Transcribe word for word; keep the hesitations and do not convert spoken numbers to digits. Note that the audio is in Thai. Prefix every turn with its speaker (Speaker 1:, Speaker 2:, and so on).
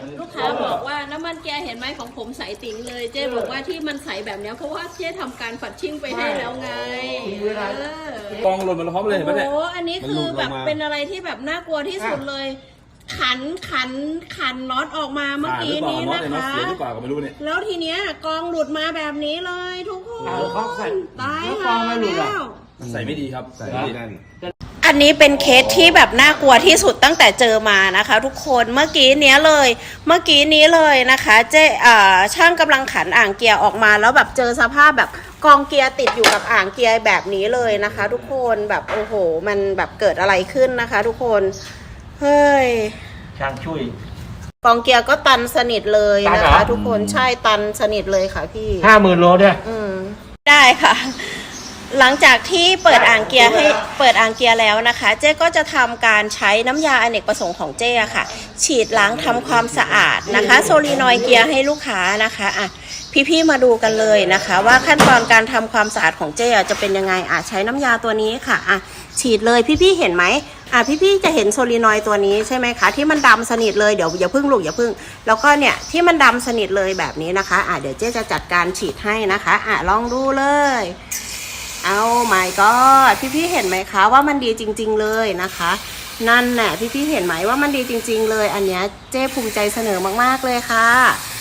Speaker 1: ลูกค้าบอกว่าน้ำมันเกียร์เห็นไหมของผมใสติ๋งเลยเจ๊บอกว่าที่มันใสแบบนี้เพราะว่าเจ๊ทำการฝัดชิ่งไปให้แล้วไง
Speaker 2: กองหล่นมาพร้อมเลยเห็นไหมเนี่ย
Speaker 1: โอ้อันนี้คือแบบเป็นอะไรที่แบบน่ากลัวที่สุดเลยขันขันขันน็อตออกมาเมื่อกี้นี้นะคะแล้วทีเนี้ยกองหลุดมาแบบนี้เลยทุกคนตายแล้ว
Speaker 2: ใส่ไม่ดีครับใส่ไม่ดีนั่น
Speaker 1: อันนี้เป็นเคสที่แบบน่ากลัวที่สุดตั้งแต่เจอมานะคะทุกคนเมื่อกี้เนี้ยเลยเมื่อกี้นี้เลยนะคะเจ๊อ่าช่างกำลังขันอ่างเกียร์ออกมาแล้วแบบเจอสภาพแบบกองเกียร์ติดอยู่กับอ่างเกียร์แบบนี้เลยนะคะทุกคนแบบโอ้โหมันแบบเกิดอะไรขึ้นนะคะทุกคนเฮ้ย
Speaker 3: ช่างช่วย
Speaker 1: กองเกียร์ก็ตันสนิทเลยนะคะทุกคนใช่ตันสนิทเลยค่ะพี่
Speaker 3: ห้าหมื่นโลเนี่ย
Speaker 1: อืมได้ค่ะหลังจากที่เปิดอ่างเกียร์ให้เปิดอ่างเกียร์แล้วนะคะเจ๊ก็จะทำการใช้น้ำยาอเนกประสงค์ของเจ๊ค่ะฉีดล้างทำความสะอาดนะคะโซลีนอยด์เกียร์ให้ลูกค้านะคะอ่ะพี่ๆมาดูกันเลยนะคะว่าขั้นตอนการทำความสะอาดของเจ๊จะเป็นยังไงอ่ะใช้น้ำยาตัวนี้ค่ะอ่ะฉีดเลยพี่ๆเห็นไหมอ่ะพี่ๆจะเห็นโซลีนอยด์ตัวนี้ใช่ไหมคะที่มันดำสนิทเลยเดี๋ยวอย่าพึ่งลูกอย่าพึ่งแล้วก็เนี่ยที่มันดำสนิทเลยแบบนี้นะคะอ่ะเดี๋ยวเจ๊จะจัดการฉีดให้นะคะอ่ะลองดูเลยเอาไม่ก็พี่ๆเห็นไหมคะว่ามันดีจริงๆเลยนะคะนั่นแหละพี่ๆเห็นไหมว่ามันดีจริงๆเลยอันเนี้ยเจ๊ภูมิใจเสนอมากๆเลยค่ะ